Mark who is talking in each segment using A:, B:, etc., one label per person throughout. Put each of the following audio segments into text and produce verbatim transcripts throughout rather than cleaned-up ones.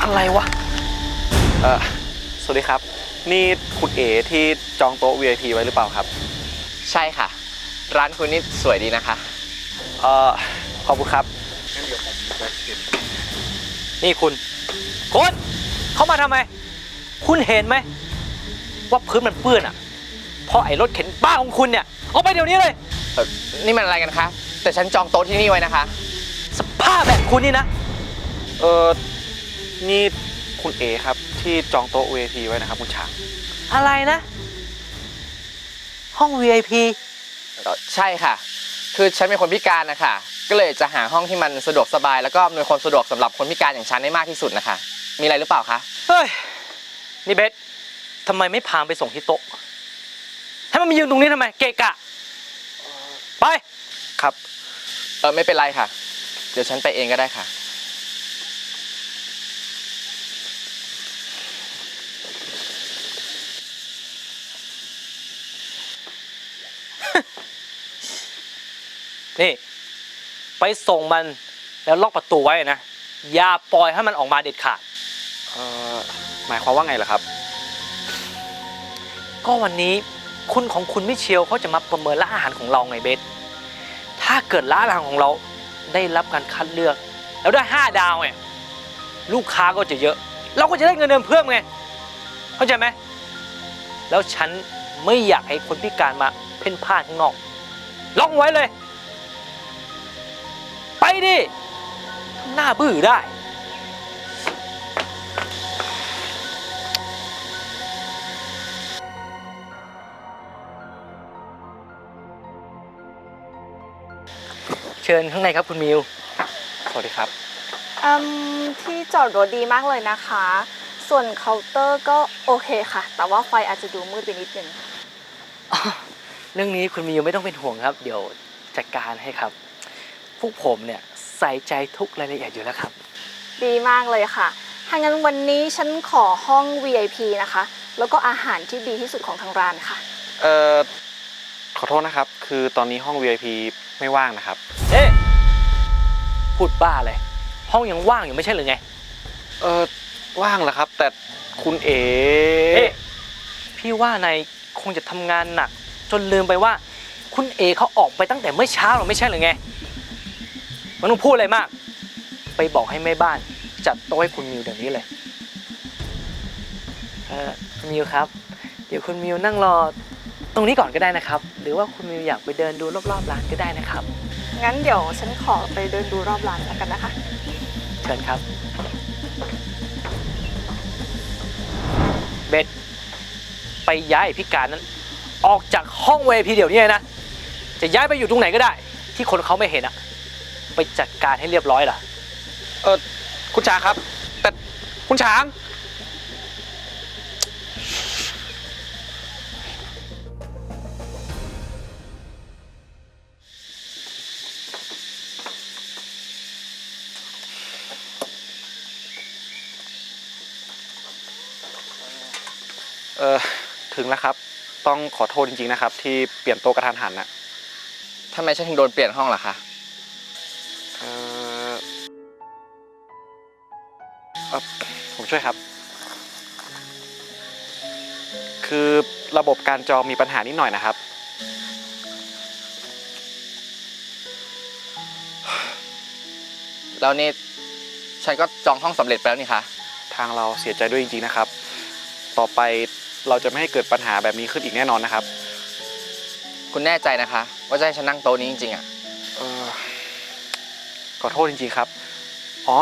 A: อะไรวะ
B: เออสวัสดีครับนี่คุณเอ๋ที่จองโต๊ะ วี ไอ พี ไว้หรือเปล่าครับ
C: ใช่ค่ะร้านคุณนี่สวยดีนะคะ
B: เออขอบคุณครับงั้นเดี๋ยวผมจะเก็บ
A: นี่คุณคุณเข้ามาทำไมคุณเห็นไหมว่าพื้นมันเปื้อนอ่ะเพราะไอ้รถเข็นบ้าของคุณเนี่ยเอาไปเดี๋ยวนี้เลย
C: เออนี่มันอะไรกันคะแต่ฉันจองโต๊ะที่นี่ไว้นะคะ
A: สภาพแบบคุณนี่นะ
B: เออนี่คุณเอ๋ครับที่จองโต๊ะ วี ไอ พี ไว้นะครับคุณช้าง
A: อะไรนะห้อง วี ไอ พี
C: ใช่ค่ะคือฉันเป็นคนพิการนะคะก็เลยจะหาห้องที่มันสะดวกสบายแล้วก็อำนวยความสะดวกสำหรับคนพิการอย่างฉันได้มากที่สุดนะคะมีอะไรหรือเปล่าคะ
A: เฮ้ยนี่เบสทำไมไม่พาไปส่งที่โต๊ะให้มันมายืนตรงนี้ทำไมเกะกะไป
B: ครับ
C: เออไม่เป็นไรค่ะเดี๋ยวฉันไปเองก็ได้ค่ะ
A: นี่ไปส่งมันแล้วล็อกประตูไว้นะอย่าปล่อยให้มันออกมาเด็ดขาด
B: เอ่อหมายความว่าไงล่ะครับ
A: ก็วันนี้คุณของคุณมิเชลเขาจะมาประเมินร้านอาหารของเราไงเบสถ้าเกิดร้านอาหารของเราได้รับการคัดเลือกแล้วได้ห้าดาวไงลูกค้าก็จะเยอะเราก็จะได้เงินเดือนเพิ่มไงเข้าใจไหมแล้วฉันไม่อยากให้คนพิการมาเพ่นพ่านข้างนอกล็อกไว้เลยไปดิทำหน้าบื้อได้เชิญข้างในครับคุณมิว
B: สวัสดีครับ
D: อืมที่จอดรถดีมากเลยนะคะส่วนเคาน์เตอร์ก็โอเคค่ะแต่ว่าไฟอาจจะดูมืดไปนิดนึง
A: เรื่องนี้คุณมิวไม่ต้องเป็นห่วงครับเดี๋ยวจัดการให้ครับพวกผมเนี่ยใส่ใจทุกรายละเอียดอยู่แล้วครับ
D: ดีมากเลยค่ะถ้างั้นวันนี้ฉันขอห้อง วี ไอ พี นะคะแล้วก็อาหารที่ดีที่สุดของทางร้านค่ะ
B: เอ่อขอโทษนะครับคือตอนนี้ห้อง วี ไอ พี ไม่ว่างนะครับ
A: เอ๊ะพูดบ้าเลยห้องยังว่างอยู่ไม่ใช่หรือไง
B: เออว่างแหละครับแต่คุณเอ๋
A: เอ๊ะพี่ว่านายคงจะทำงานหนักจนลืมไปว่าคุณเอเขาออกไปตั้งแต่เมื่อเช้าหรือไม่ใช่หรือไงมันต้องพูดอะไรมากไปบอกให้แม่บ้านจัดโต๊ะให้คุณมิวเดี๋ยวนี้เลยเออคุณมิวครับเดี๋ยวคุณมิวนั่งรอตรงนี้ก่อนก็ได้นะครับหรือว่าคุณมิวอยากไปเดินดูรอบๆร้านก็ได้นะครับ
D: งั้นเดี๋ยวฉันขอไปเดินดูรอบร้านแล้วกันนะคะ
A: เชิญครับเบสไปย้ายพิการนั้นออกจากห้องเวทีเดี๋ยวนี้นะจะย้ายไปอยู่ตรงไหนก็ได้ที่คนเขาไม่เห็นอะไปจัดการให้เรียบร้อยล่ะ
B: เออคุณช้างครับแต่คุณช้างเออถึงแล้วครับต้องขอโทษจริงๆนะครับที่เปลี่ยนโต๊ะกระทันหันนะ
C: ทำไมฉันถึงโดนเปลี่ยนห้องล่ะคะ
B: เออเออผมช่วยครับคือระบบการจองมีปัญหานิดหน่อยนะครับ
C: แล้วนี่ฉันก็จองห้องสำเร็จไปแล้วนี่คะ
B: ทางเราเสียใจด้วยจริงๆนะครับต่อไปเราจะไม่ให้เกิดปัญหาแบบนี้ขึ้นอีกแน่นอนนะครับ
C: คุณแน่ใจนะคะว่าจะให้ฉันนั่งโต๊ะนี้จริงๆอ่ะ
B: เออขอโทษจริงๆครับอ๋อ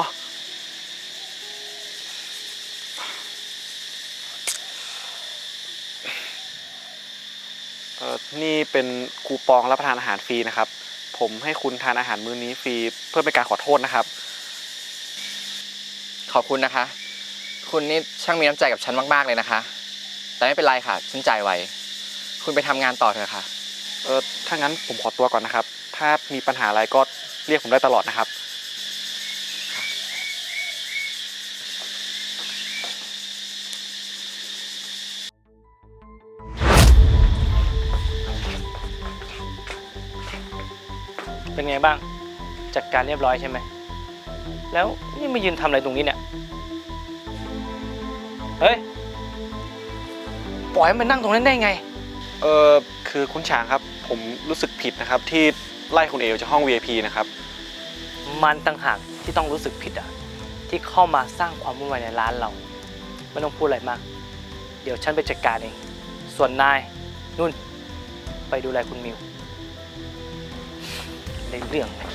B: เออนี่เป็นคูปองรับประทานอาหารฟรีนะครับผมให้คุณทานอาหารมื้อนี้ฟรีเพื่อเป็นการขอโทษนะครับ
C: ขอบคุณนะคะคุณนี่ช่างมีน้ำใจกับฉันมากๆเลยนะคะแต่ไม่เป็นไรค่ะฉันจ่ายไว้คุณไปทำงานต่อเถอะค่ะ
B: เออถ้างั้นผมขอตัวก่อนนะครับถ้ามีปัญหาอะไรก็เรียกผมได้ตลอดนะครับ
A: เป็นไงบ้างจัดการเรียบร้อยใช่ไหมแล้วนี่มายืนทำอะไรตรงนี้เนี่ยเฮ้ย ปล่อยให้มันนั่งตรงนั้นได้ไง
B: เออคือคุณฉางครับ ผมรู้สึกผิดนะครับ ที่ไล่คุณเอจากห้อง วี ไอ พี นะครับ
A: มันต่างหากที่ต้องรู้สึกผิดอ่ะ ที่เข้ามาสร้างความวุ่นวายในร้านเรา ไม่ต้องพูดอะไรมาก เดี๋ยวฉันไปจัดการเอง ส่วนนายนุ่น ไปดูแลคุณมิวในเรื่องเลย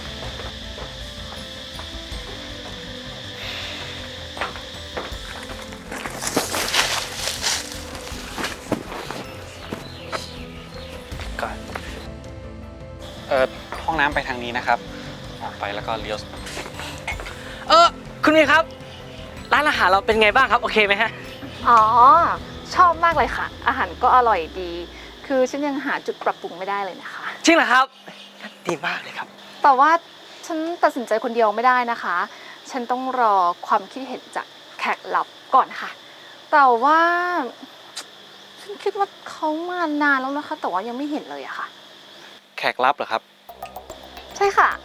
A: ก่อน
B: เออห้องน้ำไปทางนี้นะครับ ออกไปแล้วก็เลี้ยว
A: เออคุณมิวครับ ร้านอาหารเราเป็นไงบ้างครับ โอเคไหมฮะ
D: อ๋อ ชอบมากเลยค่ะ อาหารก็อร่อยดี คือฉันยังหาจุดปรับปรุงไม่ได้เลยนะคะ
A: จริงเหรอครับ ดีมากเลยครับ
D: แต่ว่าฉันตัดสินใจคนเดียวไม่ได้นะคะ ฉันต้องรอความคิดเห็นจากแขกลับก่อนค่ะ แต่ว่า ฉันคิดว่าเขามานานแล้วนะคะ แต่ว่ายังไม่เห็นเลยอะค่ะ
B: แขกรับเหรอครับ
D: ใช่ค่ะ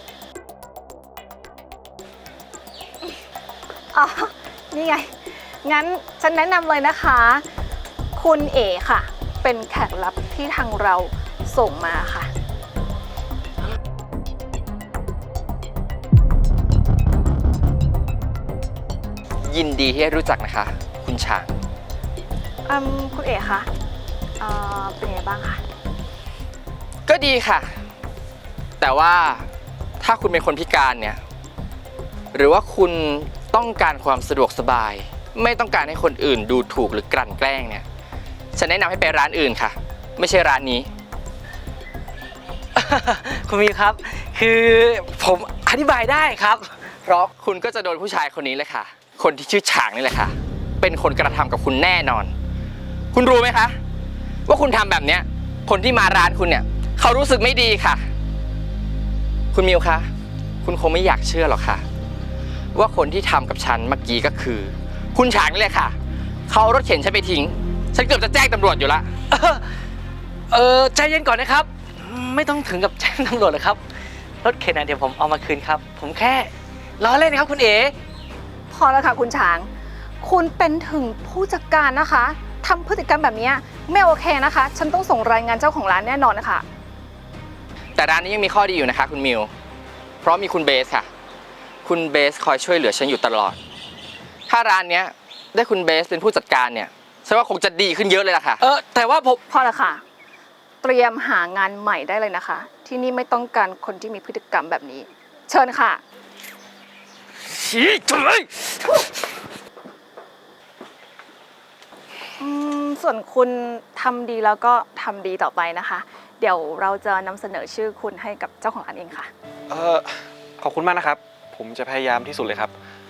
D: อ๋อ นี่ไง งั้นฉันแนะนำเลยนะคะ คุณเอ๋ค่ะ เป็นแขกรับที่ทางเราส่งมาค่ะ
C: ยินดีที่ได้รู้จักนะคะ คุณฉาง
D: อืม คุณเอ๋คะเอ่อเป็นไงบ้างคะ
C: ก็ดีค่ะ แต่ว่าถ้าคุณเป็นคนพิการเนี่ย หรือว่าคุณต้องการความสะดวกสบาย ไม่ต้องการให้คนอื่นดูถูกหรือกลั่นแกล้งเนี่ย ฉันแนะนำให้ไปร้านอื่นค่ะ ไม่ใช่ร้านนี้
A: คุณมิวครับ คือผมอธิบายได้ครับ
C: เพราะคุณก็จะโดนผู้ชายคนนี้เลยค่ะ คนที่ชื่อฉางนี่แหละค่ะ เป็นคนกระทำกับคุณแน่นอน คุณรู้ไหมคะ ว่าคุณทำแบบเนี้ย คนที่มาร้านคุณเนี่ย เขารู้สึกไม่ดีค่ะ คุณมิวคะ คุณคงไม่อยากเชื่อหรอกค่ะ ว่าคนที่ทำกับฉันเมื่อกี้ก็คือ คุณฉางนี่แหละค่ะ เขาเอารถเข็นฉันไปทิ้ง ฉันเกือบจะแจ้งตำรวจอยู่ละ
A: เออเออใจเย็นก่อนนะครับ ไม่ต้องถึงกับแจ้งตำรวจหรอกครับ รถเข็นนะเดี๋ยวผมเอามาคืนครับ ผมแค่ล้อเล่นนะครับคุณเอ๋
D: พอแล้วค่ะคุณช้าง คุณเป็นถึงผู้จัดการนะคะทำพฤติกรรมแบบนี้ไม่โอเคนะคะ ฉันต้องส่งรายงานเจ้าของร้านแน่นอนนะคะ
C: แต่ร้านนี้ยังมีข้อดีอยู่นะคะคุณมิว เพราะมีคุณเบสค่ะ คุณเบสคอยช่วยเหลือฉันอยู่ตลอด ถ้าร้านเนี้ยได้คุณเบสเป็นผู้จัดการเนี่ยฉันว่าคงจะดีขึ้นเยอะเลยล่ะค่ะ
A: เออแต่ว่าผม
D: พอแล้วค่ะ เตรียมหางานใหม่ได้เลยนะคะ ที่นี่ไม่ต้องการคนที่มีพฤติกรรมแบบนี้ เชิญค่ะ
A: ชี้จุเลย
D: อืมส่วนคุณทำดีแล้วก็ทำดีต่อไปนะคะ เดี๋ยวเราจะนำเสนอชื่อคุณให้กับเจ้าของร้านเองค่ะ
B: เออขอบคุณมากนะครับ ผมจะพยายามที่สุดเลยครับ